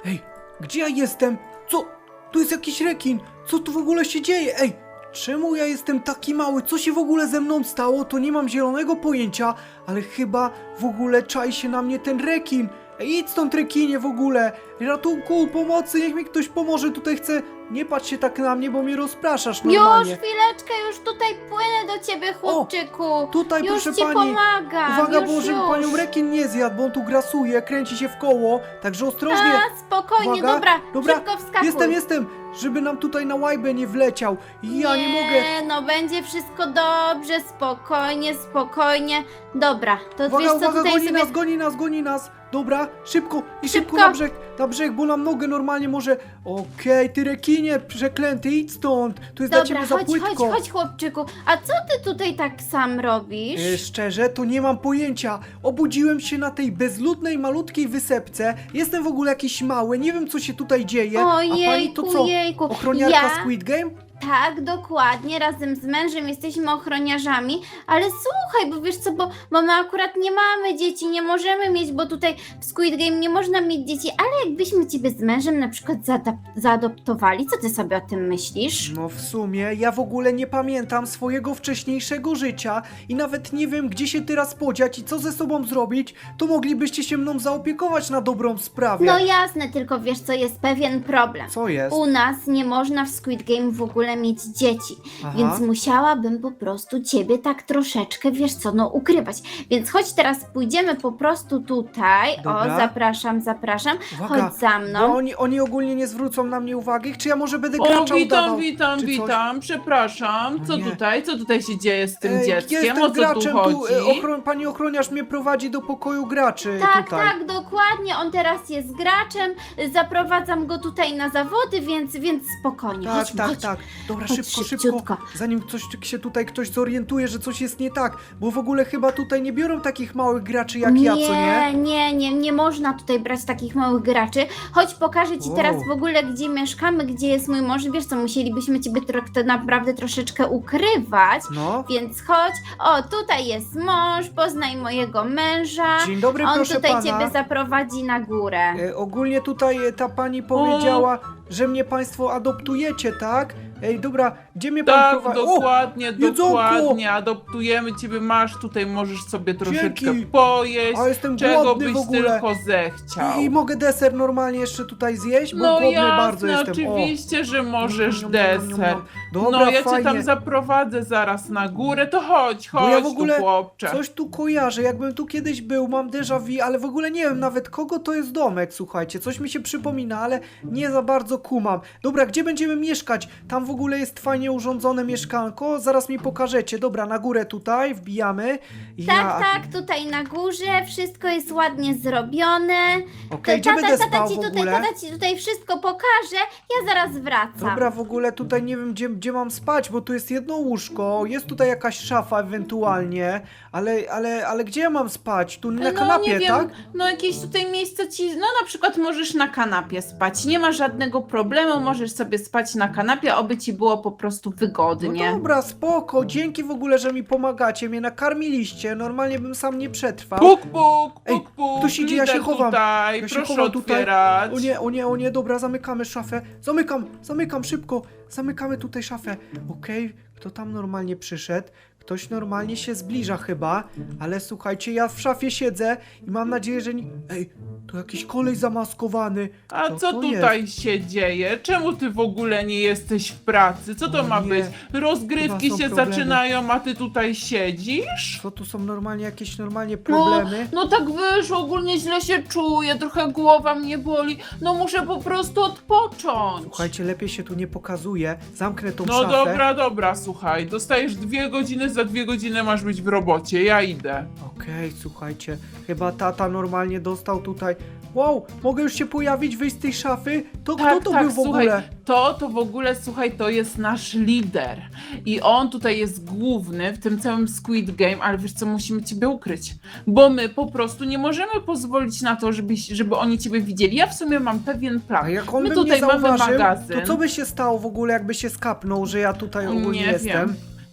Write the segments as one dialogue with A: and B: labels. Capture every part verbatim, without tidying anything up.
A: Ej, gdzie ja jestem? Co? Tu jest jakiś rekin. Co tu w ogóle się dzieje? Ej, czemu ja jestem taki mały? Co się w ogóle ze mną stało? To nie mam zielonego pojęcia, ale chyba w ogóle czai się na mnie ten rekin. Ej, idź stąd, rekinie, w ogóle. Ratunku, pomocy, niech mi ktoś pomoże. Tutaj chcę... Nie patrz się tak na mnie, bo mnie rozpraszasz normalnie.
B: Już, chwileczkę, już tutaj płynę do ciebie, chłopczyku.
A: Tutaj,
B: już
A: proszę
B: ci
A: pani.
B: pomagam.
A: Uwaga,
B: już,
A: bo żeby
B: już.
A: panią rekin nie zjadł, bo on tu grasuje, kręci się w koło, także ostrożnie.
B: A, spokojnie,
A: Uwaga,
B: dobra,
A: dobra,
B: szybko wskakuj.
A: Jestem, jestem, żeby nam tutaj na łajbę nie wleciał. Ja nie, mogę.
B: no będzie wszystko dobrze, spokojnie, spokojnie. Dobra, to
A: Uwaga,
B: wiesz co,
A: uwaga,
B: tutaj
A: goni
B: sobie...
A: nas, goni nas, goni nas. Dobra, szybko i szybko,
B: Szybko.
A: na brzeg, na brzeg, bo nam nogę normalnie może... Okej, ty rekinie przeklęty, idź stąd. Tu jest dla
B: Dobra,
A: ciebie za
B: chodź,
A: płytko.
B: chodź, chodź, chłopczyku. A co ty tutaj tak sam robisz?
A: E, szczerze, to nie mam pojęcia. Obudziłem się na tej bezludnej, malutkiej wysepce. Jestem w ogóle jakiś mały, nie wiem co się tutaj dzieje. A pani to
B: Ojejku,
A: co?
B: jejku.
A: Ochroniarka
B: Ja-
A: Squid Game?
B: Tak, dokładnie, razem z mężem jesteśmy ochroniarzami, ale słuchaj, bo wiesz co, bo, bo my akurat nie mamy dzieci, nie możemy mieć, bo tutaj w Squid Game nie można mieć dzieci, ale jakbyśmy ciebie z mężem na przykład zaadap- zaadoptowali, co ty sobie o tym myślisz?
A: No w sumie, ja w ogóle nie pamiętam swojego wcześniejszego życia i nawet nie wiem, gdzie się teraz podziać i co ze sobą zrobić, to moglibyście się mną zaopiekować na dobrą sprawę.
B: No jasne, tylko wiesz co, jest pewien problem.
A: Co jest?
B: U nas nie można w Squid Game w ogóle mieć dzieci,
A: Aha.
B: więc musiałabym po prostu ciebie tak troszeczkę, wiesz co, no ukrywać. Więc chodź teraz pójdziemy po prostu tutaj.
A: Dobra.
B: O, zapraszam, zapraszam.
A: Uwaga,
B: Chodź za mną.
A: Bo oni, oni ogólnie nie zwrócą na mnie uwagi, czy ja może będę
C: O,
A: gracza
C: witam,
A: udawał,
C: witam,
A: czy coś?
C: witam, przepraszam, co
A: Nie.
C: tutaj, co tutaj się dzieje z tym
A: Ej,
C: dzieckiem,
A: jestem
C: o co
A: graczem,
C: tu chodzi?
A: e, ochron, pani ochroniarz mnie prowadzi do pokoju graczy
B: Tak,
A: tutaj.
B: tak, dokładnie. On teraz jest graczem. Zaprowadzam go tutaj na zawody, więc, więc spokojnie.
A: Tak,
B: Chodźmy,
A: tak,
B: chodź.
A: tak. Dobra,
B: Chodź
A: szybko, szybko.
B: szybciutko.
A: Zanim coś się tutaj ktoś zorientuje, że coś jest nie tak. Bo w ogóle chyba tutaj nie biorą takich małych graczy jak ja, co nie?
B: nie, nie, nie można tutaj brać takich małych graczy. Chodź, pokażę ci
A: Wow.
B: teraz w ogóle, gdzie mieszkamy, gdzie jest mój mąż. Wiesz co, musielibyśmy ciebie tro- to naprawdę troszeczkę ukrywać.
A: No.
B: Więc chodź. O, tutaj jest mąż, poznaj mojego męża.
A: Dzień dobry,
B: On
A: proszę
B: tutaj
A: pana.
B: ciebie zaprowadzi na górę.
A: E, ogólnie tutaj e, ta pani powiedziała, że mnie państwo adoptujecie, tak? Ej, dobra, gdzie mnie pan
C: Tak,
A: prowadzi?
C: dokładnie,
A: jedzonko!
C: dokładnie, adoptujemy ciebie, masz tutaj, możesz sobie troszeczkę
A: Dzięki.
C: pojeść,
A: A jestem
C: czego
A: głodny
C: byś
A: w ogóle.
C: tylko zechciał.
A: I, I mogę deser normalnie jeszcze tutaj zjeść? Bo
C: No
A: głodny
C: jasne,
A: bardzo jestem.
C: oczywiście, że możesz
A: Niam, niam, niam, niam,
C: deser.
A: niam. Dobra,
C: No ja cię
A: fajnie.
C: tam zaprowadzę zaraz na górę, to chodź,
A: Bo
C: chodź
A: ja w ogóle
C: tu chłopcze.
A: Coś tu kojarzę, jakbym tu kiedyś był, mam déjà vu, ale w ogóle nie wiem nawet kogo to jest domek, słuchajcie, coś mi się przypomina, ale nie za bardzo kumam. Dobra, gdzie będziemy mieszkać? Tam w ogóle jest fajnie urządzone mieszkanko, zaraz mi pokażecie. Dobra, na górę tutaj, wbijamy.
B: Tak,
A: Ja-
B: tak, tutaj na górze, wszystko jest ładnie zrobione.
A: Okej,
B: To
A: gdzie będę
B: tata, tata
A: spał
B: ci
A: w
B: tutaj,
A: ogóle?
B: tata ci tutaj wszystko pokaże, ja zaraz wracam.
A: Dobra, w ogóle tutaj nie wiem, gdzie, gdzie mam spać, bo tu jest jedno łóżko, jest tutaj jakaś szafa ewentualnie, ale, ale, ale gdzie ja mam spać? Tu na
C: no
A: kanapie,
C: nie wiem,
A: tak?
C: no jakieś tutaj miejsce ci, no na przykład możesz na kanapie spać, nie ma żadnego problemu, możesz sobie spać na kanapie, oby ci było po prostu wygodnie.
A: No dobra, spoko, dzięki w ogóle, że mi pomagacie, mnie nakarmiliście, normalnie bym sam nie przetrwał.
C: Puk, puk,
A: Ej,
C: puk, puk,
A: ktoś idzie, ja się
C: idę
A: chowam.
C: Tutaj,
A: Ja się
C: proszę
A: chowam tutaj.
C: otwierać.
A: O nie, o nie, o nie, dobra, zamykamy szafę. Zamykam, zamykam szybko. Zamykamy tutaj szafę. Okej, kto tam normalnie przyszedł? Ktoś normalnie się zbliża chyba, ale słuchajcie, ja w szafie siedzę i mam nadzieję, że nie... Ej, to jakiś kolej zamaskowany.
C: A
A: Co
C: co
A: to
C: tutaj
A: jest?
C: się dzieje? Czemu ty w ogóle nie jesteś w pracy? Co to
A: O
C: ma
A: nie,
C: być? Rozgrywki
A: chyba są
C: się
A: problemy.
C: zaczynają, a ty tutaj siedzisz?
A: Co tu są normalnie jakieś normalnie problemy?
C: No, no tak wyszło, ogólnie źle się czuję, trochę głowa mnie boli, no muszę po prostu odpocząć.
A: Słuchajcie, lepiej się tu nie pokazuje. Zamknę tą
C: No
A: szafę.
C: dobra, dobra, słuchaj, dostajesz dwie godziny, za dwie godziny masz być w robocie, ja idę.
A: Okej, słuchajcie, chyba tata normalnie dostał tutaj... Wow, mogę już się pojawić, wyjść z tej szafy? To kto to był w
C: słuchaj,
A: ogóle?
C: to, to w ogóle, słuchaj, to jest nasz lider i on tutaj jest główny w tym całym Squid Game, ale wiesz co, musimy ciebie ukryć, bo my po prostu nie możemy pozwolić na to, żeby, żeby oni ciebie widzieli. Ja w sumie mam pewien plan.
A: A jak on
C: My
A: by
C: tutaj
A: mnie
C: mamy
A: zauważył,
C: magazyn.
A: to co by się stało w ogóle, jakby się skapnął, że ja tutaj ogólnie
C: Nie
A: jestem?
C: wiem.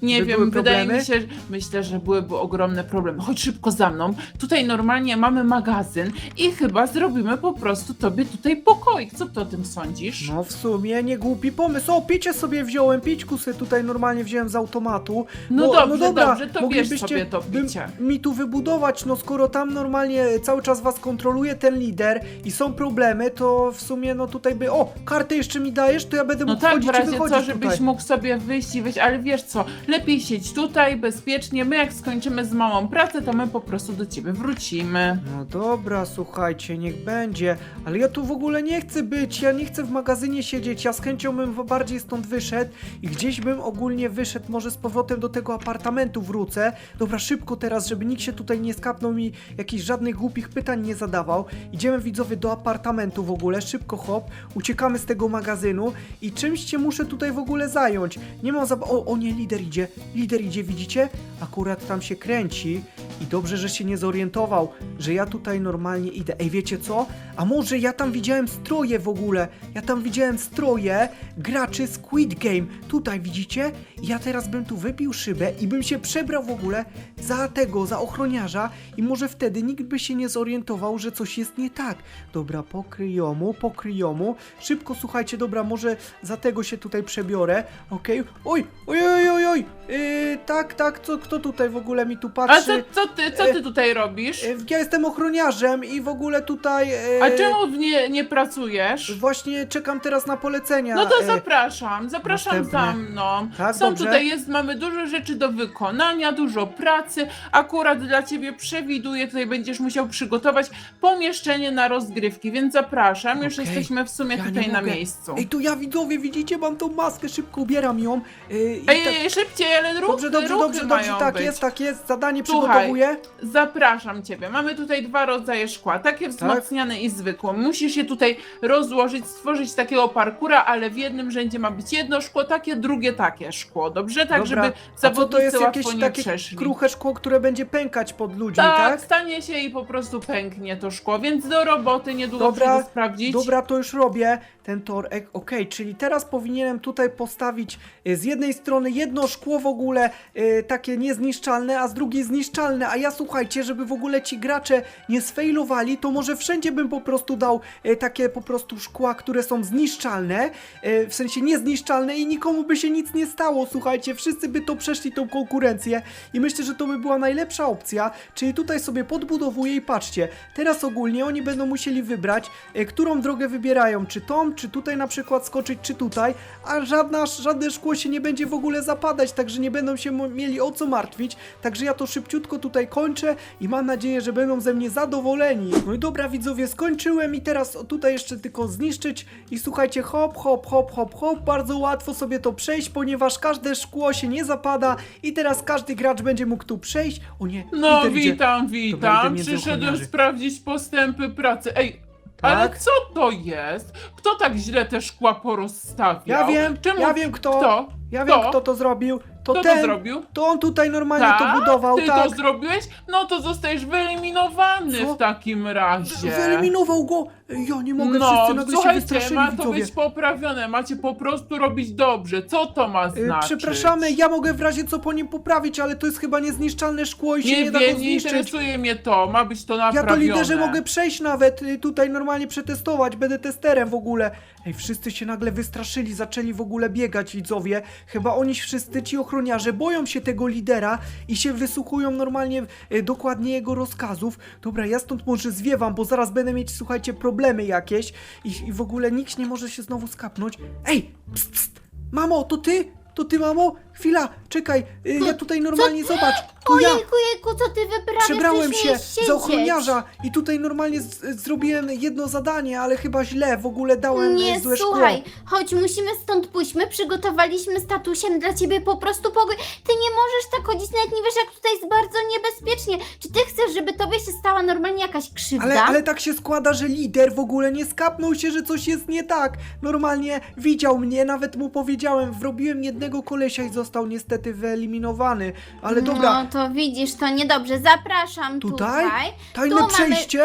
C: Nie
A: By
C: wiem,
A: były
C: wydaje
A: problemy?
C: mi się, że- myślę, że byłyby ogromne problemy. Chodź szybko za mną. Tutaj normalnie mamy magazyn i chyba zrobimy po prostu tobie tutaj pokoik. Co ty o tym sądzisz?
A: No w sumie nie głupi pomysł. O, picie sobie wziąłem, pićku sobie tutaj normalnie wziąłem z automatu.
C: No
A: Bo-
C: dobrze,
A: dobra,
C: dobrze, to bierz
A: moglibyście
C: sobie to
A: bym-
C: picie.
A: mi tu wybudować, no skoro tam normalnie cały czas was kontroluje ten lider i są problemy, to w sumie no tutaj by... O, kartę jeszcze mi dajesz, to ja będę
C: No
A: mógł
C: tak, w
A: wchodzić i
C: razie
A: wychodzić
C: co, żebyś
A: tutaj.
C: mógł sobie wyjść i wyjść, ale wiesz co, lepiej siedź tutaj, bezpiecznie, my jak skończymy z mamą pracę, to my po prostu do ciebie wrócimy.
A: No dobra, słuchajcie, niech będzie, ale ja tu w ogóle nie chcę być, ja nie chcę w magazynie siedzieć, ja z chęcią bym bardziej stąd wyszedł i gdzieś bym ogólnie wyszedł, może z powrotem do tego apartamentu wrócę. Dobra, szybko teraz, żeby nikt się tutaj nie skapnął mi jakichś żadnych głupich pytań nie zadawał. Idziemy widzowie do apartamentu w ogóle, szybko hop, uciekamy z tego magazynu i czymś się muszę tutaj w ogóle zająć. Nie mam za... O, o nie, lider idzie, lider idzie, widzicie? Akurat tam się kręci i dobrze, że się nie zorientował, że ja tutaj normalnie idę. Ej, wiecie co? A może ja tam widziałem stroje w ogóle? Ja tam widziałem stroje graczy Squid Game. Tutaj widzicie? Ja teraz bym tu wybił szybę i bym się przebrał w ogóle za tego, za ochroniarza i może wtedy nikt by się nie zorientował, że coś jest nie tak. Dobra, pokryjomu, pokryjomu. Szybko, słuchajcie, dobra, może za tego się tutaj przebiorę. Okej. Oj, oj, oj, oj, oj. Yy, tak, tak, co, kto tutaj w ogóle mi tu
C: A
A: patrzy?
C: co, co ty, co ty tutaj robisz?
A: Yy, Ja jestem ochroniarzem i w ogóle tutaj... Yy,
C: A czemu nie, nie pracujesz?
A: Właśnie czekam teraz na polecenia.
C: No to
A: yy,
C: zapraszam, zapraszam
A: następne.
C: za mną.
A: Tak,
C: Są
A: dobrze.
C: tutaj jest, mamy dużo rzeczy do wykonania, dużo pracy. Akurat dla ciebie przewiduję, tutaj będziesz musiał przygotować pomieszczenie na rozgrywki, więc zapraszam. Już
A: Okej.
C: jesteśmy w sumie
A: Ja nie
C: tutaj na
A: mogę.
C: miejscu.
A: Ej, tu ja widzowie, widzicie, mam tą maskę, szybko ubieram ją. Yy, i
C: Ej,
A: tak-
C: ej, szybciej, ale ruchy,
A: Dobrze, dobrze,
C: ruchy
A: dobrze, dobrze,
C: mają
A: tak
C: być.
A: jest, tak jest, zadanie
C: Słuchaj,
A: przygotowuję.
C: Zapraszam ciebie. Mamy tutaj dwa rodzaje szkła, takie wzmacniane i zwykłe. Musisz je tutaj rozłożyć, stworzyć takiego parkura, ale w jednym rzędzie ma być jedno szkło, takie, drugie takie szkło, dobrze? Tak,
A: Dobra.
C: żeby
A: A co to
C: zawodnicy
A: jest
C: łatwo
A: jakieś
C: nie
A: takie
C: przeszli.
A: kruche szkło, które będzie pękać pod ludźmi,
C: Tak,
A: tak?
C: stanie się i po prostu pęknie to szkło, więc do roboty niedługo
A: Dobra,
C: przyjdę sprawdzić.
A: Dobra, to już robię ten tor. E, Okej, czyli teraz powinienem tutaj postawić e, z jednej strony jedno szkło w ogóle e, takie niezniszczalne, a z drugiej zniszczalne. A ja słuchajcie, żeby w ogóle ci gracze nie sfejlowali, to może wszędzie bym po prostu dał e, takie po prostu szkła, które są zniszczalne, e, w sensie niezniszczalne i nikomu by się nic nie stało. Słuchajcie, wszyscy by to przeszli tą konkurencję i myślę, że to by była najlepsza opcja. Czyli tutaj sobie podbudowuję i patrzcie, teraz ogólnie oni będą musieli wybrać, e, którą drogę wybierają, czy tą, czy tutaj na przykład skoczyć, czy tutaj, a żadna, żadne szkło się nie będzie w ogóle zapadać, także nie będą się mo- mieli o co martwić, także ja to szybciutko tutaj kończę i mam nadzieję, że będą ze mnie zadowoleni. No i dobra widzowie, skończyłem i teraz tutaj jeszcze tylko zniszczyć i słuchajcie, hop, hop, hop, hop, hop, bardzo łatwo sobie to przejść, ponieważ każde szkło się nie zapada i teraz każdy gracz będzie mógł tu przejść. O nie,
C: No
A: lider idzie.
C: witam,
A: Dobra, idę
C: witam.
A: między
C: Przyszedłem
A: ochroniarzy.
C: sprawdzić postępy pracy. Ej, ale
A: Tak?
C: co to jest? Kto tak źle te szkła porozstawiał?
A: Ja wiem,
C: Czemu...
A: ja wiem kto.
C: Kto?
A: Ja wiem,
C: Kto?
A: kto to zrobił. To
C: Kto
A: ten,
C: to zrobił?
A: to on tutaj normalnie
C: Tak?
A: to budował,
C: Ty
A: tak.
C: to zrobiłeś? No to zostajesz wyeliminowany
A: Co?
C: w takim razie.
A: Wyeliminował go! Ja nie mogę,
C: No,
A: wszyscy nagle się
C: słuchajcie,
A: wystraszyli,
C: ma to
A: widzowie.
C: być poprawione, macie po prostu robić dobrze. Co to ma
A: Y,
C: znaczyć?
A: Przepraszamy, ja mogę w razie co po nim poprawić, ale to jest chyba niezniszczalne szkło i się nie,
C: Nie
A: da go
C: wiem, nie
A: zniszczyć.
C: interesuje mnie to, ma być to
A: Ja
C: naprawione.
A: to liderze mogę przejść nawet, y, tutaj normalnie przetestować, będę testerem w ogóle. Ej, wszyscy się nagle wystraszyli, zaczęli w ogóle biegać, widzowie. Chyba oni wszyscy, ci ochroniarze, boją się tego lidera i się wysłuchują normalnie y, dokładnie jego rozkazów. Dobra, ja stąd może zwiewam, bo zaraz będę mieć, słuchajcie, problemy jakieś i, i w ogóle nikt nie może się znowu skapnąć. Ej, pst, pst, mamo, to ty? To ty, mamo? Chwila, czekaj, y, ja tutaj normalnie, zobacz, to ja.
B: Ojejku, jejku, co ty wyprawiasz?
A: Przebrałem
B: Przecież
A: się
B: nie siedzieć.
A: za ochroniarza i tutaj normalnie z, zrobiłem jedno zadanie, ale chyba źle, w ogóle dałem
B: Nie,
A: e, złe
B: słuchaj,
A: szkło.
B: chodź, musimy stąd pójść. My przygotowaliśmy z tatusiem dla ciebie po prostu pokój. Ty nie możesz tak chodzić, nawet nie wiesz, jak tutaj jest bardzo niebezpiecznie. Czy ty chcesz, żeby tobie się stała normalnie jakaś krzywda?
A: Ale, ale tak się składa, że lider w ogóle nie skapnął się, że coś jest nie tak. Normalnie widział mnie, nawet mu powiedziałem, wrobiłem jednego kolesia i został niestety wyeliminowany. Ale dobra,
B: No to widzisz, to niedobrze. Zapraszam
A: tutaj?
B: tutaj.
A: Tajne
B: Tu mamy-
A: przejście?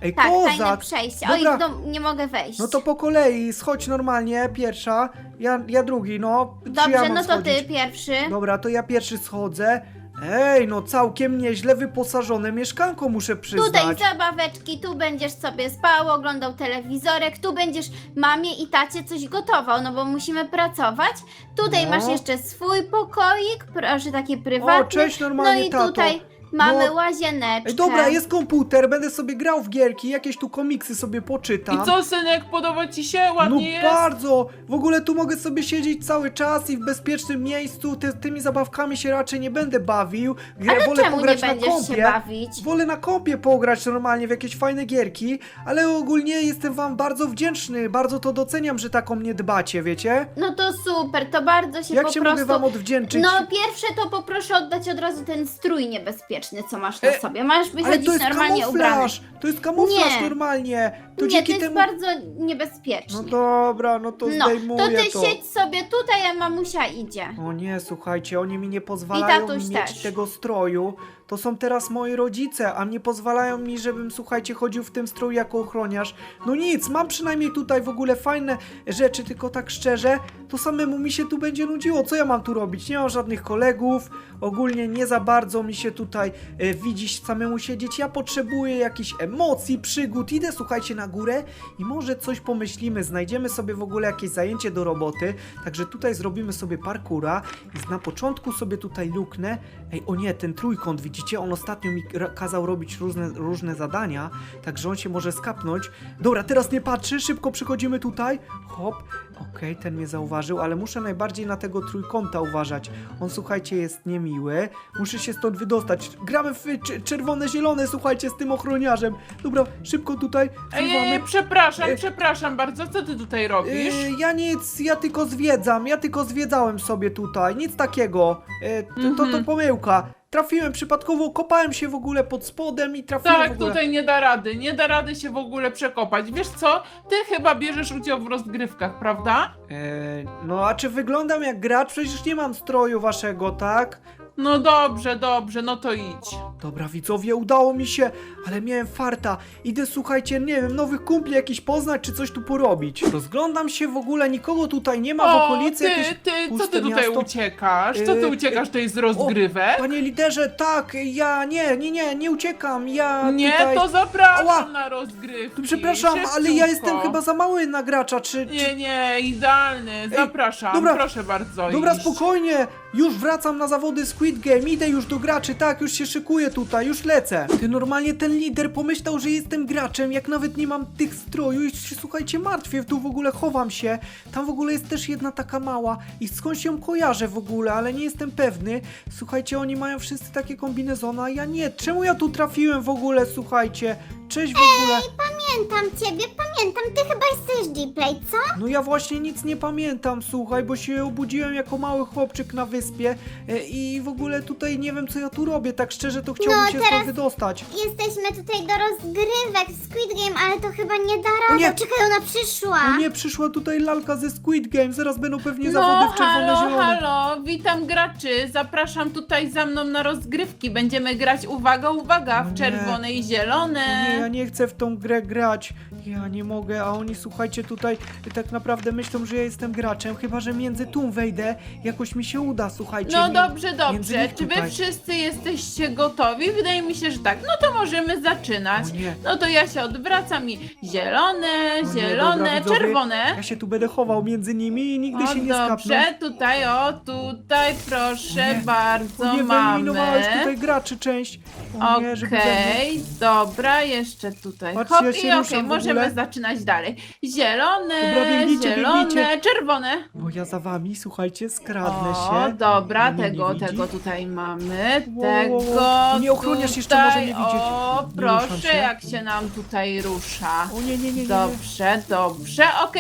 A: Ej,
B: Tak, tajne
A: kozak!
B: przejście.
A: Dobra.
B: Oj, no, nie mogę wejść.
A: No to po kolei, schodź normalnie, pierwsza, ja, ja drugi, no. Czy
B: Dobrze,
A: ja mam
B: no to
A: schodzić?
B: ty pierwszy.
A: Dobra, to ja pierwszy schodzę. Ej, no całkiem nieźle wyposażone mieszkanko, muszę przyznać.
B: Tutaj zabaweczki, tu będziesz sobie spał, oglądał telewizorek, tu będziesz mamie i tacie coś gotował, no bo musimy pracować. Tutaj
A: No.
B: masz jeszcze swój pokoik, proszę, taki prywatny.
A: O, cześć
B: No
A: normalnie,
B: i
A: tato.
B: tutaj mamy
A: No.
B: łazieneczkę.
A: Ej, dobra, jest komputer, będę sobie grał w gierki, jakieś tu komiksy sobie poczytam.
C: I co, synek, podoba ci się?
A: No
C: Ładnie jest?
A: bardzo! W ogóle tu mogę sobie siedzieć cały czas i w bezpiecznym miejscu. Ty, tymi zabawkami się raczej nie będę bawił. Grę
B: Ale
A: wolę
B: czemu nie
A: pograć na
B: będziesz się
A: kompie.
B: bawić?
A: Wolę na kompie pograć normalnie w jakieś fajne gierki, ale ogólnie jestem wam bardzo wdzięczny, bardzo to doceniam, że tak o mnie dbacie, wiecie?
B: No to super, to bardzo się
A: Jak
B: po
A: się
B: prostu...
A: mogę wam odwdzięczyć?
B: No pierwsze to poproszę oddać od razu ten strój niebezpieczny, co masz na
A: E,
B: sobie. Masz
A: ale
B: wychodzić
A: to jest
B: normalnie ubrany.
A: kamuflaż! To jest kamuflaż
B: Nie.
A: normalnie! To
B: Nie,
A: dzięki
B: to jest
A: temu...
B: bardzo niebezpieczne.
A: No dobra, no to
B: No,
A: zdejmuję
B: to ty siedź sobie tutaj, a mamusia idzie.
A: O nie, słuchajcie, oni mi nie pozwalają
B: tatuś
A: mi mieć
B: też.
A: tego stroju. To są teraz moi rodzice, a nie pozwalają mi, żebym, słuchajcie, chodził w tym stroju jako ochroniarz. No nic, mam przynajmniej tutaj w ogóle fajne rzeczy, tylko tak szczerze, to samemu mi się tu będzie nudziło. Co ja mam tu robić? Nie mam żadnych kolegów, ogólnie nie za bardzo mi się tutaj e, widzieć samemu siedzieć. Ja potrzebuję jakichś emocji, przygód. Idę, słuchajcie, na górę i może coś pomyślimy, znajdziemy sobie w ogóle jakieś zajęcie do roboty. Także tutaj zrobimy sobie parkura i na początku sobie tutaj luknę. Ej, o nie, ten trójkąt, widzicie? On ostatnio mi ra- kazał robić różne, różne zadania, także on się może skapnąć. Dobra, teraz nie patrzy, szybko przychodzimy tutaj. Hop, okej, ten mnie zauważył, ale muszę najbardziej na tego trójkąta uważać. On, słuchajcie, jest niemiły. Muszę się stąd wydostać. Gramy w cz- czerwone, zielone, słuchajcie, z tym ochroniarzem. Dobra, szybko tutaj
C: Ej, ej,
A: zrywamy.
C: ej, przepraszam,
A: E,
C: przepraszam bardzo, co ty tutaj robisz?
A: Yy, ja nic, ja tylko zwiedzam, ja tylko zwiedzałem sobie tutaj, nic takiego. Yy, to, to, to
C: Mhm.
A: pomyłka. Trafiłem przypadkowo, kopałem się w ogóle pod spodem i trafiłem w
C: Tak,
A: ogóle.
C: tutaj nie da rady, nie da rady się w ogóle przekopać. Wiesz co, ty chyba bierzesz udział w rozgrywkach, prawda?
A: Yy, no a czy wyglądam jak gracz? Przecież nie mam stroju waszego, tak?
C: No dobrze, dobrze, no to idź.
A: Dobra, widzowie, udało mi się, ale miałem farta. Idę, słuchajcie, nie wiem, nowych kumpli jakiś poznać, czy coś tu porobić. Rozglądam się w ogóle, nikogo tutaj nie ma w
C: O,
A: okolicy.
C: ty,
A: jakieś
C: ty, co
A: puste
C: ty tutaj
A: miasto.
C: uciekasz? Co ty
A: Yy,
C: uciekasz tutaj z
A: O,
C: rozgrywek?
A: panie liderze, tak, ja nie, nie, nie, nie uciekam, ja
C: Nie,
A: tutaj...
C: to zapraszam
A: Ała!
C: na rozgrywki.
A: Przepraszam, ale ja jestem
C: Szybciutko.
A: chyba za mały na gracza, czy... czy...
C: Nie, nie, idealny, zapraszam,
A: dobra,
C: proszę bardzo
A: Dobra,
C: iść.
A: spokojnie, już wracam na zawody Squid Game, idę już do graczy, tak, już się szykuję tutaj, już lecę. Ty, normalnie ten lider pomyślał, że jestem graczem, jak nawet nie mam tych stroju i się, słuchajcie, martwię, tu w ogóle chowam się. Tam w ogóle jest też jedna taka mała i skądś ją kojarzę w ogóle, ale nie jestem pewny. Słuchajcie, oni mają wszyscy takie kombinezony, a ja nie. Czemu ja tu trafiłem w ogóle, słuchajcie? Cześć w ogóle.
D: Pamiętam ciebie, pamiętam, ty chyba jesteś G-Play, co?
A: No ja właśnie nic nie pamiętam, słuchaj, bo się obudziłem jako mały chłopczyk na wyspie e, i w ogóle tutaj nie wiem, co ja tu robię, tak szczerze to chciałbym
D: No,
A: się
D: teraz-
A: stąd wydostać.
D: Jesteśmy tutaj do rozgrywek w Squid Game, ale to chyba nie da
A: O
D: rady.
A: nie!
D: Czekaj, ona przyszła.
A: O nie, przyszła tutaj lalka ze Squid Game, zaraz będą pewnie
C: No,
A: zawody w czerwone
C: halo,
A: zielone.
C: halo, witam graczy, zapraszam tutaj za mną na rozgrywki, będziemy grać, uwaga, uwaga,
A: O nie.
C: w czerwone i
A: O nie,
C: zielone.
A: ja nie chcę w tą grę grać. Ja nie mogę, a oni, słuchajcie, tutaj tak naprawdę myślą, że ja jestem graczem, chyba że między tłum wejdę, jakoś mi się uda, słuchajcie.
C: No
A: mi-
C: dobrze,
A: między
C: dobrze,
A: nich
C: czy wy
A: tutaj.
C: wszyscy jesteście gotowi? Wydaje mi się, że tak, no to możemy zaczynać.
A: O nie.
C: No to ja się odwracam i zielone,
A: O nie,
C: zielone,
A: dobra, widzowie,
C: czerwone.
A: Ja się tu będę chował między nimi i nigdy
C: O
A: się nie skapnę.
C: dobrze, tutaj, o tutaj, proszę
A: O nie.
C: bardzo,
A: O nie,
C: mamy.
A: wyeliminowałeś tutaj graczy część. O nie, żeby ze mnie-
C: Okej, dobra, jeszcze tutaj.
A: Patrzcie,
C: Hop
A: ja
C: i
A: się
C: okej,
A: ruszam w
C: możemy
A: ogóle.
C: zaczynać dalej. Zielone,
A: Dobra, biegnijcie,
C: zielone,
A: biegnijcie.
C: czerwone.
A: Bo ja za wami, słuchajcie, skradnę
C: O,
A: się.
C: dobra,
A: Mnie nie
C: tego,
A: widzi.
C: tego tutaj mamy.
A: Wow, wow,
C: Tego
A: wow. Nie, ochroniarz jeszcze może
C: tutaj.
A: nie widzieć.
C: O,
A: Nie ruszam
C: proszę,
A: się.
C: jak się nam tutaj rusza.
A: O nie, nie, nie, nie. nie.
C: Dobrze, dobrze, okej. No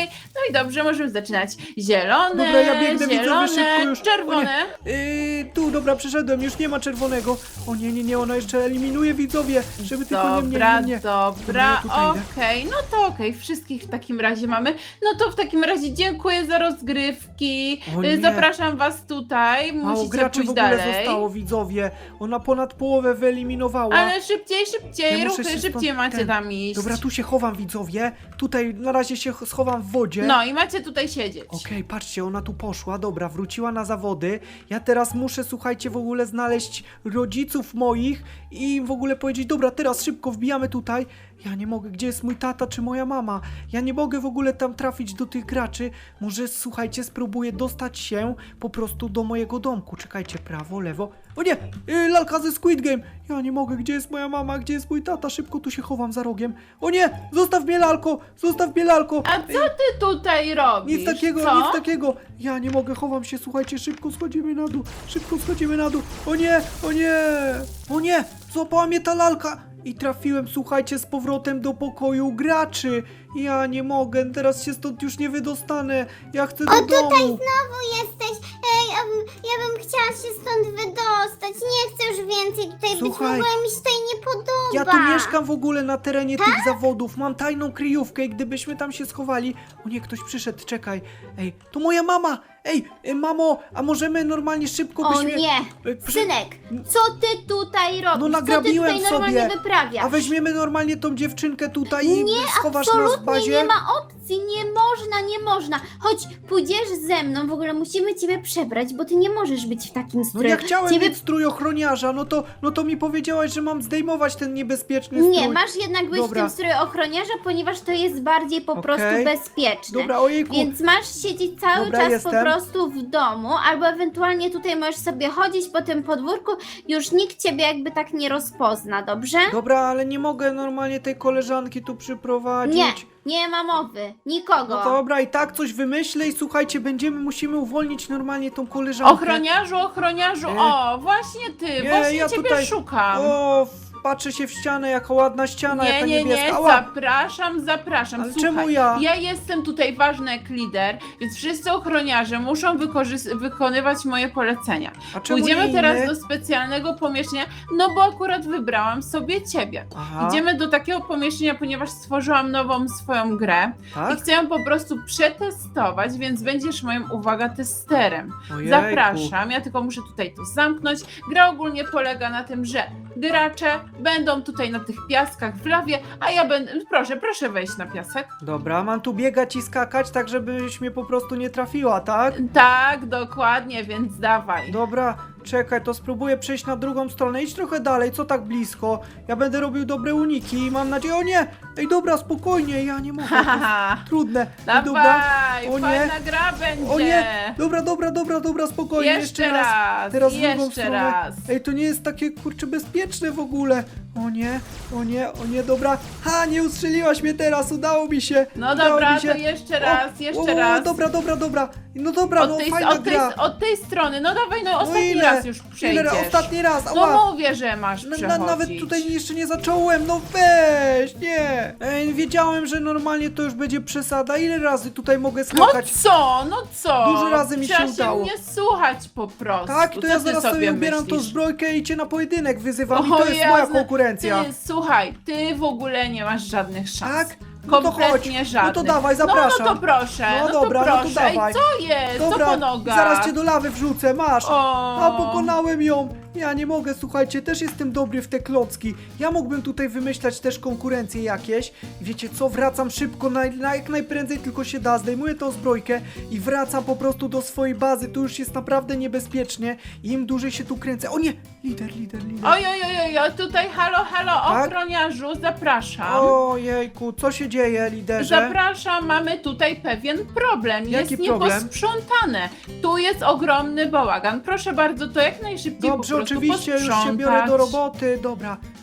C: i dobrze, możemy zaczynać. Zielone,
A: Dobra, ja biegnę, widzowie,
C: zielone,
A: szybko już.
C: czerwone.
A: Yy, tu, dobra, przeszedłem, już nie ma czerwonego. O nie, nie, nie, ona jeszcze eliminuje widzowie, żeby tylko nie mnie,
C: Dobra,
A: nie mnie.
C: dobra,
A: ja tutaj idę.
C: okej, no to okej, wszystkich w takim razie mamy. No to w takim razie dziękuję za rozgrywki.
A: O
C: Y,
A: nie.
C: Zapraszam was tutaj,
A: Mało
C: musicie
A: graczy
C: pójść
A: w ogóle
C: dalej.
A: zostało, widzowie. Ona ponad połowę wyeliminowała.
C: Ale szybciej, szybciej,
A: Ja muszę
C: ruchy,
A: się
C: szybciej
A: stąd-
C: macie
A: ten-
C: tam iść.
A: Dobra, tu się chowam, widzowie. Tutaj na razie się ch- schowam w wodzie.
C: No i macie tutaj siedzieć.
A: Okej, patrzcie, ona tu poszła, dobra, wróciła na zawody. Ja teraz muszę, słuchajcie, w ogóle znaleźć rodziców moich i im w ogóle powiedzieć, dobra, teraz szybko wbijamy tutaj. Ja nie mogę, gdzie jest mój tata czy moja mama? Ja nie mogę w ogóle tam trafić do tych graczy. Może, słuchajcie, spróbuję dostać się po prostu do mojego domku. Czekajcie, prawo, lewo. O nie, yy, lalka ze Squid Game. Ja nie mogę, gdzie jest moja mama, gdzie jest mój tata? Szybko tu się chowam za rogiem. O nie, zostaw mnie, lalko, zostaw mnie, lalko.
C: A co ty tutaj robisz?
A: Nic takiego,
C: co?
A: nic takiego. Ja nie mogę, chowam się, słuchajcie, szybko schodzimy na dół, szybko schodzimy na dół. O nie, o nie, o nie, złapała mnie ta lalka. I trafiłem, słuchajcie, z powrotem do pokoju graczy. Ja nie mogę, teraz się stąd już nie wydostanę. Ja chcę do
D: O, tutaj
A: domu.
D: znowu jesteś. Ej, ja bym, ja bym chciała się stąd wydostać. Nie chcę już więcej tutaj być. W
A: Słuchaj,
D: ogóle mi się tutaj nie podoba.
A: Ja tu mieszkam w ogóle na terenie tych zawodów. Mam tajną kryjówkę i gdybyśmy tam się schowali... O nie, ktoś przyszedł, czekaj. Ej, to moja mama. Ej, e, mamo, a możemy normalnie szybko
B: O
A: byśmy...
B: nie,
A: e, przy-
B: synek, co ty tutaj robisz?
A: No
B: co ty
A: nagrabiłem
B: tutaj normalnie
A: sobie.
B: wyprawiasz?
A: A weźmiemy normalnie tą dziewczynkę tutaj i
B: Nie,
A: schowasz nas w
B: absolutnie
A: bazie?
B: nie ma opcji, nie można, nie można. Chodź, pójdziesz ze mną, w ogóle musimy ciebie przebrać, bo ty nie możesz być w takim
A: No
B: stroju.
A: ja chciałem
B: ciebie...
A: mieć strój ochroniarza, no to, no to mi powiedziałaś, że mam zdejmować ten niebezpieczny strój.
B: Nie, masz jednak być
A: Dobra.
B: w tym stroju ochroniarza, ponieważ to jest bardziej po
A: Okej.
B: prostu bezpieczne.
A: Dobra, ojejku.
B: Więc masz siedzieć cały
A: Dobra,
B: czas
A: jestem.
B: po prostu w domu, albo ewentualnie tutaj możesz sobie chodzić po tym podwórku, już nikt ciebie jakby tak nie rozpozna, dobrze?
A: Dobra, ale nie mogę normalnie tej koleżanki tu przyprowadzić.
B: Nie, nie ma mowy, nikogo.
A: No dobra, i tak coś wymyślę i słuchajcie, będziemy, musimy uwolnić normalnie tą koleżankę.
C: Ochroniarzu, ochroniarzu,
A: Nie.
C: o, właśnie ty,
A: Nie,
C: właśnie
A: ja
C: ciebie
A: tutaj-
C: szukam.
A: O, patrzę się w ścianę, jaka ładna ściana,
C: Nie,
A: jaka
C: nie,
A: niebieska.
C: nie,
A: Ała.
C: zapraszam, zapraszam.
A: Ale
C: Słuchaj,
A: czemu ja?
C: Ja jestem tutaj ważny jak lider, więc wszyscy ochroniarze muszą wykorzys- wykonywać moje polecenia.
A: A czemu
C: Pójdziemy
A: nie
C: teraz
A: inny?
C: do specjalnego pomieszczenia, no bo akurat wybrałam sobie ciebie.
A: Aha,
C: Idziemy do takiego pomieszczenia, ponieważ stworzyłam nową swoją grę i
A: tak?
C: chcę ją po prostu przetestować, więc będziesz moim, uwaga, testerem.
A: Ojejku.
C: Zapraszam, ja tylko muszę tutaj to zamknąć. Gra ogólnie polega na tym, że gracze będą tutaj na tych piaskach w lawie, a ja będę... Proszę, proszę wejść na piasek.
A: Dobra, mam tu biegać i skakać, tak żebyś mnie po prostu nie trafiła, tak?
C: Tak, dokładnie, więc dawaj.
A: Dobra, czekaj, to spróbuję przejść na drugą stronę. Idź trochę dalej, co tak blisko? Ja będę robił dobre uniki i mam nadzieję... O nie! Ej, dobra, spokojnie, ja nie mogę. to jest
C: Haha,
A: Trudne. Ej,
C: dawaj,
A: dobra. O nie.
C: fajna gra będzie.
A: O nie! Dobra, dobra, dobra, dobra, spokojnie.
C: Jeszcze raz,
A: Teraz w drugą
C: jeszcze
A: stronę.
C: raz.
A: Ej, to nie jest takie, kurczę, bezpieczne w ogóle. O nie, o nie, o nie, dobra. Ha, nie ustrzeliłaś mnie teraz, udało mi się.
C: No
A: udało
C: dobra,
A: mi się.
C: to jeszcze raz,
A: o,
C: jeszcze
A: o,
C: raz.
A: Dobra, dobra, dobra. No dobra,
C: Od
A: no
C: tej,
A: fajna
C: od, tej,
A: gra.
C: od tej strony, no dawaj, no
A: No
C: ostatni
A: ile?
C: raz już
A: Ile?
C: przejdziesz.
A: Ostatni raz,
C: No
A: ała.
C: mówię, że masz
A: Na, na,
C: przechodzić.
A: nawet tutaj jeszcze nie zacząłem, no weź, nie. Ej, wiedziałem, że normalnie to już będzie przesada. Ile razy tutaj mogę
C: No
A: skakać?
C: co, no co?
A: Dużo razy mi się
C: Trzeba
A: udało.
C: mnie słuchać po prostu.
A: Tak, to
C: Co
A: ja
C: ty
A: zaraz
C: sobie
A: sobie ubieram tą
C: myślisz?
A: zbrojkę i cię na pojedynek wyzywam i
C: O
A: to jest moja
C: Jezu,
A: konkurencja.
C: Ty, słuchaj, ty w ogóle nie masz żadnych szans.
A: Tak? No to
C: Kompletnie
A: chodź.
C: żadnych.
A: No to dawaj, zapraszam.
C: No, no to proszę,
A: No
C: no,
A: dobra,
C: to
A: no to
C: proszę.
A: dawaj.
C: Ej, co jest?
A: Dobra,
C: co po nogach?
A: zaraz cię do lawy wrzucę, masz.
C: O.
A: A, pokonałem ją. Ja nie mogę, słuchajcie, też jestem dobry w te klocki. Ja mógłbym tutaj wymyślać też konkurencje jakieś. Wiecie co, wracam szybko, na, na jak najprędzej tylko się da, zdejmuję tą zbrojkę i wracam po prostu do swojej bazy. Tu już jest naprawdę niebezpiecznie i im dłużej się tu kręcę. O nie, lider, lider, lider.
C: Oj, oj, oj, oj, oj, tutaj halo, halo,
A: Tak?
C: ochroniarzu, zapraszam.
A: Ojejku, co się dzieje, liderze?
C: Zapraszam, mamy tutaj pewien problem.
A: Jaki
C: jest
A: problem?
C: nieposprzątane. Tu jest ogromny bałagan. Proszę bardzo, to jak najszybciej
A: Dobrze,
C: po prostu
A: oczywiście, już się
C: posprzątać.
A: biorę do roboty. Dobra,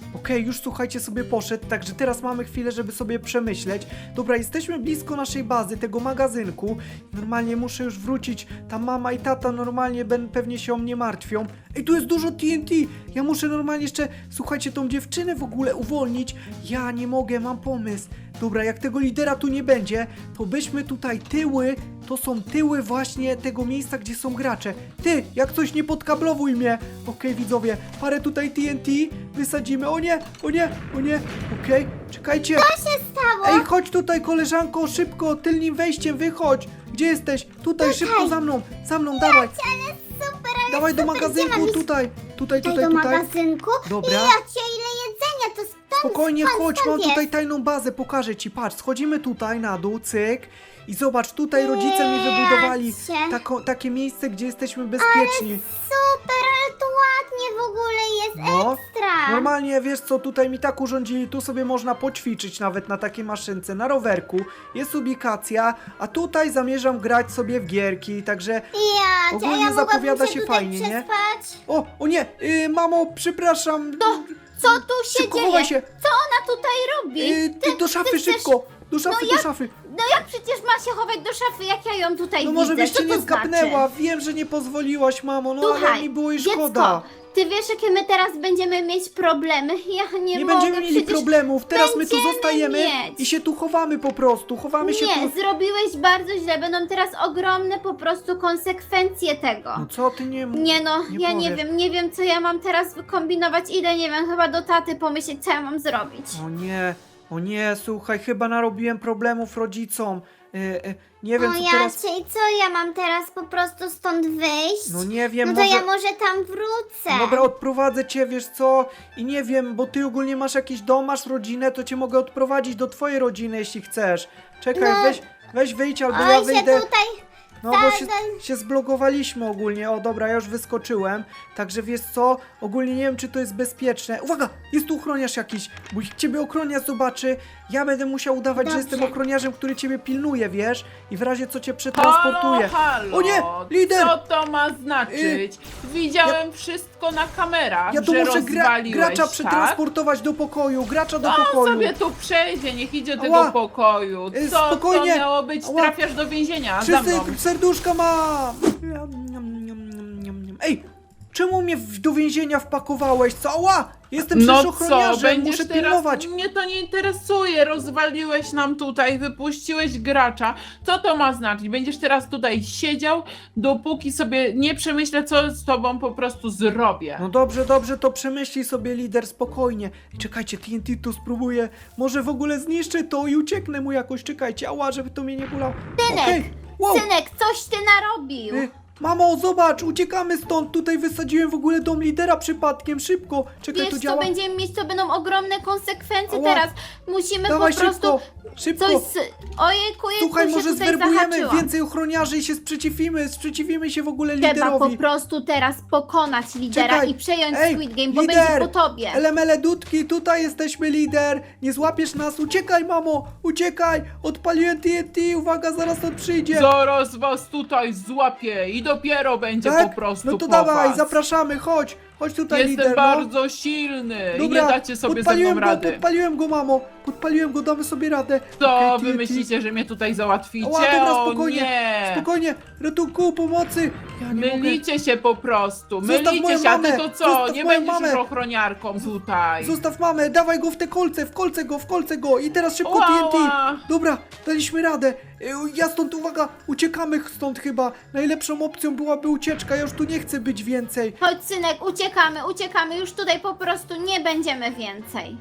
A: Okej, już słuchajcie, sobie poszedł, także teraz mamy chwilę, żeby sobie przemyśleć. Dobra, jesteśmy blisko naszej bazy, tego magazynku. Normalnie muszę już wrócić. Ta mama i tata normalnie ben, pewnie się o mnie martwią. Ej, tu jest dużo T N T. Ja muszę normalnie jeszcze, słuchajcie, tą dziewczynę w ogóle uwolnić. Ja nie mogę, mam pomysł. Dobra, jak tego lidera tu nie będzie, to byśmy tutaj tyły, to są tyły właśnie tego miejsca, gdzie są gracze. Ty, jak coś nie podkablowuj mnie. Okej, widzowie, parę tutaj T N T wysadzimy. O nie, o nie, o nie. Okej, czekajcie.
D: Co się stało?
A: Ej, chodź tutaj, koleżanko, szybko, tylnym wejściem wychodź. Gdzie jesteś? Tutaj, szybko za mną, za mną, dawaj.
D: Ale super, ale
A: Dawaj do
D: super, gdzie
A: magazynku,
D: mam iść?
A: tutaj, tutaj,
D: Tutaj
A: tutaj,
D: do
A: tutaj.
D: magazynku?
A: Dobra.
D: Ja cię, ile jedzenia, to stąd,
A: Spokojnie,
D: skąd,
A: chodź,
D: skąd
A: mam tutaj
D: jest?
A: tajną bazę, pokażę ci, patrz, schodzimy tutaj na dół, cyk. I zobacz, tutaj rodzice mi wybudowali
D: Jacie.
A: tako, takie miejsce, gdzie jesteśmy bezpieczni.
D: Super, ale to ładnie w ogóle jest,
A: No,
D: ekstra.
A: normalnie, wiesz co, tutaj mi tak urządzili, tu sobie można poćwiczyć nawet na takiej maszynce, na rowerku. Jest ubikacja, a tutaj zamierzam grać sobie w gierki, także...
D: Ja, cię,
A: ogólnie
D: ja mogłabym
A: zapowiada
D: się
A: się
D: tutaj
A: fajnie, nie?
D: przespać?
A: O, o nie, yy, mamo, przepraszam.
B: Co tu się
A: Szybko,
B: dzieje?
A: chowaj się.
B: Co ona tutaj robi?
A: Yy, ty, do szafy,
B: chcesz-
A: szybko, do szafy,
B: No
A: do
B: jak-
A: szafy.
B: No jak przecież ma się chować do szafy, jak ja ją tutaj
A: No
B: widzę?
A: może byś
B: Co
A: cię
B: to
A: nie zgapnęła,
B: Znaczy?
A: wiem, że nie pozwoliłaś, mamo, no ale
B: Słuchaj,
A: mi było i
B: dziecko,
A: szkoda.
B: ty wiesz, jakie my teraz będziemy mieć problemy? Ja nie,
A: Nie
B: mogę,
A: będziemy mieli
B: przecież
A: problemów, teraz my tu
B: będziemy
A: zostajemy
B: mieć.
A: i się tu chowamy po prostu, chowamy się
B: Nie,
A: tu.
B: zrobiłeś bardzo źle, będą teraz ogromne po prostu konsekwencje tego.
A: No co ty nie mów?
B: Nie no,
A: nie
B: ja nie
A: powiesz.
B: wiem, nie wiem co ja mam teraz wykombinować, idę, nie wiem, chyba do taty pomyśleć, co ja mam zrobić.
A: O nie, o nie, słuchaj, chyba narobiłem problemów rodzicom. E, e, nie wiem
D: O
A: co
D: ja
A: teraz...
D: cię, i co ja mam teraz po prostu stąd wyjść?
A: No nie wiem,
D: No to
A: może...
D: ja może tam wrócę.
A: Dobra, odprowadzę cię, wiesz co? I nie wiem, bo ty ogólnie masz jakiś dom, masz rodzinę, to cię mogę odprowadzić do twojej rodziny, jeśli chcesz. Czekaj,
D: No.
A: weź, weź wyjdź, albo
D: Oj,
A: ja
D: się
A: wyjdę.
D: tutaj...
A: No bo się,
D: Zadaj.
A: się zblokowaliśmy ogólnie. O dobra, ja już wyskoczyłem. Także wiesz co? Ogólnie nie wiem, czy to jest bezpieczne. Uwaga! Jest tu ochroniarz jakiś. Bo jak ciebie ochroniarz zobaczy, ja będę musiał udawać, że
D: Dobrze.
A: jestem ochroniarzem, który ciebie pilnuje, wiesz? I w razie co cię przetransportuje.
C: Halo, halo,
A: O nie, lider!
C: Co to ma znaczyć? Widziałem wszystko na kamerach,
A: Ja tu
C: że
A: muszę gra,
C: rozwaliłeś,
A: gracza
C: tak?
A: przetransportować do pokoju. Gracza do
C: On
A: pokoju.
C: sobie tu przejdzie, niech idzie do
A: Ała.
C: tego pokoju.
A: Y,
C: Co
A: spokojnie.
C: to miało być?
A: Ała.
C: Trafiasz do więzienia za
A: Wszyscy
C: mną.
A: serduszka mam! Niam, niam, niam, niam, niam, niam. Ej! Czemu mnie w, do więzienia wpakowałeś? Co? Ała! Jestem przecież
C: No co,
A: ochroniarzem,
C: będziesz
A: muszę
C: teraz...
A: pilnować.
C: Mnie to nie interesuje, rozwaliłeś nam tutaj, wypuściłeś gracza. Co to ma znaczyć? Będziesz teraz tutaj siedział, dopóki sobie nie przemyślę, co z tobą po prostu zrobię.
A: No dobrze, dobrze, to przemyślij sobie, lider, spokojnie. Czekajcie, T N T tu spróbuję. Może w ogóle zniszczę to i ucieknę mu jakoś. Czekajcie, ała, żeby to mnie nie bolało.
B: Synek,
A: Okej, wow.
B: Synek, coś ty narobił.
A: Y, Mamo, zobacz, uciekamy stąd. Tutaj wysadziłem w ogóle dom lidera przypadkiem. Szybko. Czekaj,
B: Wiesz
A: to
B: co,
A: działa.
B: będziemy mieć, to będą ogromne konsekwencje
A: Ała.
B: teraz. Musimy
A: Dawaj
B: po prostu
A: szybko, szybko.
B: coś z... Ojejku,
A: Słuchaj,
B: się
A: może
B: tutaj
A: zwerbujemy
B: zahaczyłam.
A: więcej ochroniarzy i się sprzeciwimy. Sprzeciwimy się w ogóle
B: Trzeba
A: liderowi.
B: po prostu teraz pokonać lidera
A: Czekaj.
B: i przejąć
A: Ej,
B: Squid Game, bo
A: lider!
B: będzie po tobie.
A: Elemele dudki, tutaj jesteśmy, lider! Nie złapiesz nas, uciekaj, mamo! Uciekaj! Odpaliłem T N T, uwaga, zaraz on przyjdzie!
C: Zaraz was tutaj złapię i dopiero będzie
A: Tak?
C: po prostu
A: No to
C: po
A: dawaj,
C: was.
A: zapraszamy, chodź! Chodź tutaj,
C: Jestem
A: lider, no.
C: bardzo silny i nie dacie sobie ze
A: podpaliłem
C: mną
A: go,
C: rady.
A: podpaliłem go, mamo! Podpaliłem go, damy sobie radę!
C: Co
A: Okej,
C: wy
A: T N T.
C: myślicie, że mnie tutaj załatwicie?
A: Ała, dobra,
C: O
A: spokojnie,
C: nie!
A: Spokojnie! Ratunku, pomocy! Ja nie mogę...
C: Mylicie się po prostu,
A: Zostaw
C: mylicie
A: moją
C: się, a ty
A: mamę,
C: to co?
A: zostaw
C: Nie
A: moją
C: będziesz
A: mamę.
C: już ochroniarką tutaj.
A: Zostaw mamę, dawaj go w te kolce, w kolce go, w kolce go i teraz szybko T N T.
C: Ała.
A: Dobra, daliśmy radę. Y, Ja stąd, uwaga, uciekamy stąd chyba. Najlepszą opcją byłaby ucieczka, ja już tu nie chcę być więcej.
B: Chodź synek, uciekamy, uciekamy, już tutaj po prostu nie będziemy więcej.